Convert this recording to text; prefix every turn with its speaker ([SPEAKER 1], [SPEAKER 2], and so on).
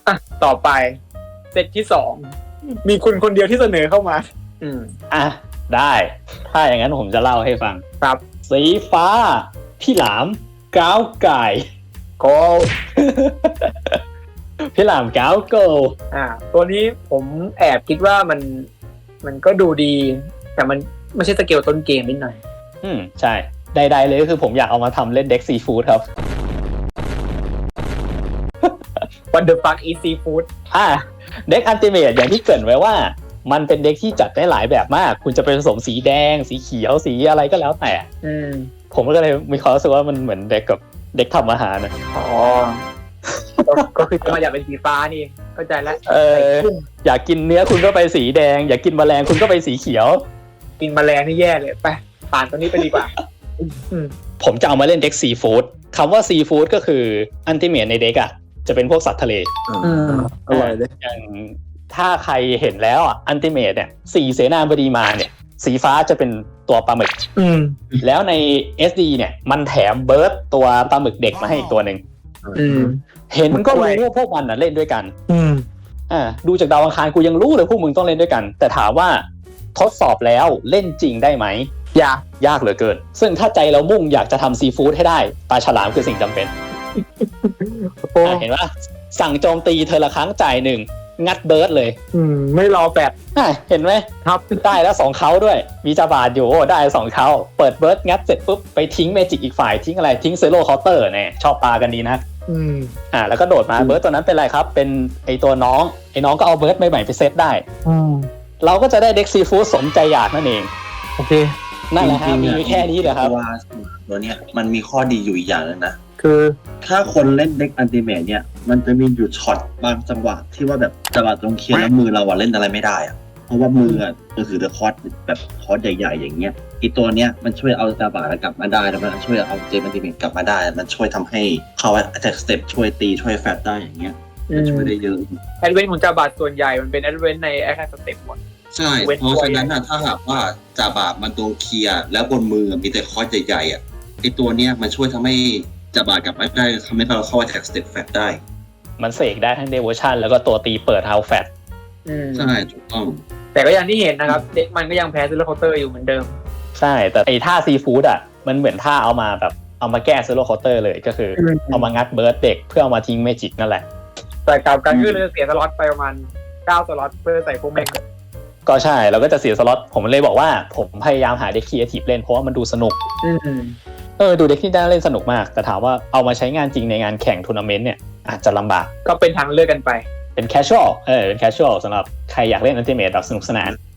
[SPEAKER 1] อ่ะต่อไปเซตที่2มีคุณคนเดียวที่เสนอเข้ามา
[SPEAKER 2] อ่ะได้ถ้าอย่างนั้นผมจะเล่าให้ฟัง
[SPEAKER 1] ครับ
[SPEAKER 2] สีฟ้าพี่หลามก้าวไก่
[SPEAKER 1] โก
[SPEAKER 2] พี่หลามก้าวโก
[SPEAKER 1] ตัวนี้ผมแอบคิดว่ามันก็ดูดีแต่มันไม่ใช่สเกลต้นเกมนิดหน่อย
[SPEAKER 2] ใช่ใดๆเลยก็คือผมอยากเอามาทำเล่นเด็กซีฟู้ดครับ
[SPEAKER 1] What the fuck is seafood
[SPEAKER 2] เด็กอัลติเมทอย่างที่เกริ่นไว้ว่ามันเป็นเด็กที่จัดได้หลายแบบมากคุณจะไปผสมสีแดงสีเขียวสีอะไรก็แล้วแต่ผมก็เลยมีความรู้สึกว่ามันเหมือนเด็กกับเด็กทำอาหารนะ
[SPEAKER 1] ก็คือจะมาอยากเป็นสีฟ้านี่เข้าใจแล้ว
[SPEAKER 2] อยากกินเนื้อคุณก็ไปสีแดงอยากกินแมลงคุณก็ไปสีเขียว
[SPEAKER 1] กินแมลงนี่แย่เลยไปผ่านตัวนี้ไปดีกว่า
[SPEAKER 2] ผมจะเอามาเล่นเด็กซีฟู้ดคำว่าซีฟู้ดก็คืออัลติเมทในเด็กอ่ะจะเป็นพวกสัตว์ทะเล
[SPEAKER 3] อร่อยเลย
[SPEAKER 2] อย่างถ้าใครเห็นแล้วอ่ะอัลติเมทเนี่ย4เสนาบดีมาเนี่ยสีฟ้าจะเป็นตัวปลาหมึกแล้วใน SD เนี่ยมันแถมเบิร์ดตัวปลาหมึกเด็กมาให้อีกตัวนึงเห็นก็รู้ว่าพวกมันน่ะเล่นด้วยกันดูจากดาวอังคารกูยังรู้เลยพวกมึงต้องเล่นด้วยกันแต่ถามว่าทดสอบแล้วเล่นจริงได้ไหมยากเหลือเกินซึ่งถ้าใจเรามุ่งอยากจะทำซีฟู้ดให้ได้ปลาฉลามคือสิ่งจำเป็น เห็นว่าสั่งโจมตีเธอละครั้งจ่าย1งัดเบิร์ดเลย
[SPEAKER 1] ไม่รอแปด
[SPEAKER 2] เห็นไหม
[SPEAKER 1] ครับ
[SPEAKER 2] ได้แล้ว2เขาด้วยมีจาบาดอยู่ได้2เขาเปิดเบิร์ดงัดเสร็จปุ๊บไปทิ้งเมจิกอีกฝ่ายทิ้งอะไรทิ้งเซโร่เคาน์เตอร์เนี่ยชอบปลากันดีนะแล้วก็โดดมาเบิร์ดตัวนั้นเป็นไรครับเป็นไอตัวน้องไอ้น้องก็เอาเบิร์ดใหม่ๆไปเซตได้เราก็จะได้เด็กซีฟู้ดสมใจอยากนั่นเอง
[SPEAKER 1] โอเค
[SPEAKER 2] นั่นแหละครับมีแค่นี้เหรอครับ
[SPEAKER 3] ว่าตัวเนี้ยมันมีข้อดีอยู่อีกอย่างนึงนะ
[SPEAKER 1] คือ
[SPEAKER 3] ถ้าคนเล่นเด็กอัลติเมทเนี่ยมันจะมีอยู่ช็อตบางจังหวะที่ว่าแบบจังหวะตรงเคลียร์แล้วมือเราเล่นอะไรไม่ได้อะเพราะว่ามือถือคอร์สแบบคอร์สใหญ่ๆอย่างเงี้ยอีตัวเนี้ยมันช่วยเอาจาบากลับมาได้แล้วมันช่วยเอาเจมอัลติเมทกลับมาได้มันช่วยทำให้เขาattack step ช่วยตีช่วยแฟตได้อย่างเงี้ยช่วยได้เยอะ
[SPEAKER 1] แอดเวนต์ของจาบาส่วนใหญ่มันเป็นแอดเวนต์ในแอคสเต็ปหมด
[SPEAKER 3] ใช่เพราะฉะนั้นถ้าหากว่าจาบามันโดนเคลียร์แล้วบนมือมีแต่คอร์สใหญ่ๆไอตัวเนี้ยมันช่วยทำให้จาบากับไม่ได้ทำให้เราเข้า attack step fat ได้
[SPEAKER 2] มันเสกได้ทั้ง devotion แล้วก็ตัวตีเปิด house fat
[SPEAKER 3] ใช่ถูกต้อง
[SPEAKER 1] แต่ก็อย่างที่เห็นนะครับเด็กมันก็ยังแพ้ซิลเคาน์เตอร์อยู่เหมือนเดิม
[SPEAKER 2] ใช่แต่ไอ้ท่าซีฟู้ดมันเหมือนท่าเอามาแบบเอามาแก้ซิลเคาน์เตอร์เลยก็คือเอามางัดเบิร์ดเด็กเพื่อเอามาทิ้งเมจิกนั่นแหละ
[SPEAKER 1] แต่กับการคือเราเสียสล็อตไปประมาณ9สล็อตเพื่อใส่พวกแม่ง
[SPEAKER 2] ก็ใช่เราก็จะเสียสล็อตผมเลยบอกว่าผมพยายามหาเด็กครีเอทีฟเล่นเพราะว่ามันดูสนุกดูเด็กที่ได้เล่นสนุกมากแต่ถามว่าเอามาใช้งานจริงในงานแข่งทัวร์นาเมนต์เนี่ยอาจจะลำบาก
[SPEAKER 1] ก็เป็นทางเลือกกันไป
[SPEAKER 2] เป็นแคชชวลเป็นแคชชวลสำหรับใครอยากเล่นอัลติเมทแบบสนุกสนาน